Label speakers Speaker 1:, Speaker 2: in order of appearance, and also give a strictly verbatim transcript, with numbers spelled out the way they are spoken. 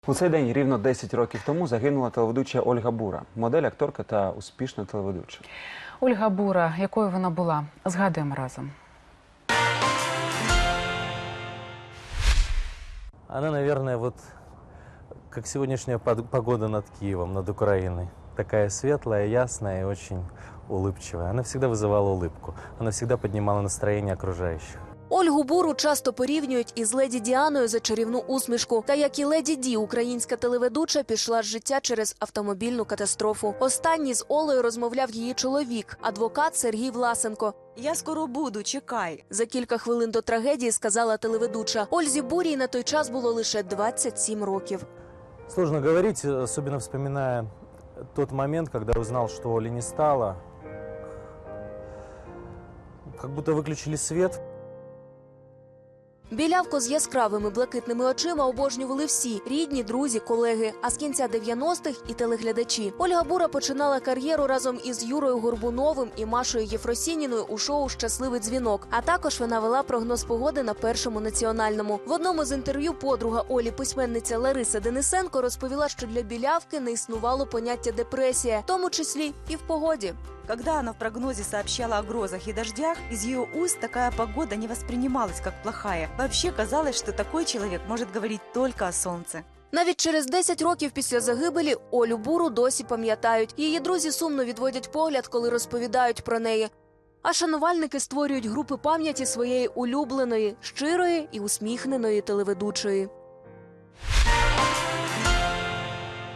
Speaker 1: У цей день рівно десять років тому загинула телеведуча Ольга Бура, модель, акторка та успішна телеведуча.
Speaker 2: Ольга Бура, якою вона була, згадуємо разом.
Speaker 3: Она, наверное, вот как сегодняшняя погода над Киевом, над Украиной. Такая светлая, ясная и очень улыбчивая. Она всегда вызывала улыбку. Она всегда поднимала настроение окружающих.
Speaker 4: Ольгу Буру часто порівнюють із Леді Діаною за чарівну усмішку. Та як і Леді Ді, українська телеведуча пішла з життя через автомобільну катастрофу. Останній з Олею розмовляв її чоловік, адвокат Сергій Власенко.
Speaker 5: «Я скоро буду, чекай».
Speaker 4: За кілька хвилин до трагедії сказала телеведуча. Ользі Бурій на той час було лише двадцять сім років.
Speaker 3: Сложно говорить, особенно вспоминая тот момент, когда узнал, что Оли не стало. Как будто выключили свет.
Speaker 4: Білявку з яскравими блакитними очима обожнювали всі – рідні, друзі, колеги. А з кінця дев'яностих – і телеглядачі. Ольга Бура починала кар'єру разом із Юрою Горбуновим і Машою Єфросініною у шоу «Щасливий дзвінок». А також вона вела прогноз погоди на Першому національному. В одному з інтерв'ю подруга Олі, письменниця Лариса Денисенко, розповіла, що для білявки не існувало поняття «депресія», в тому числі і в погоді.
Speaker 5: Когда она в прогнозе сообщала о грозах и дождях, из ее уст такая погода не воспринималась как плохая. Вообще казалось, что такой человек может говорить только о солнце.
Speaker 4: Навіть через десять років після загибелі Олю Буру досі пам'ятають. Її друзі сумно відводять погляд, коли розповідають про неї. А шанувальники створюють групи пам'яті своєї улюбленої, щирої і усміхненої телеведучої.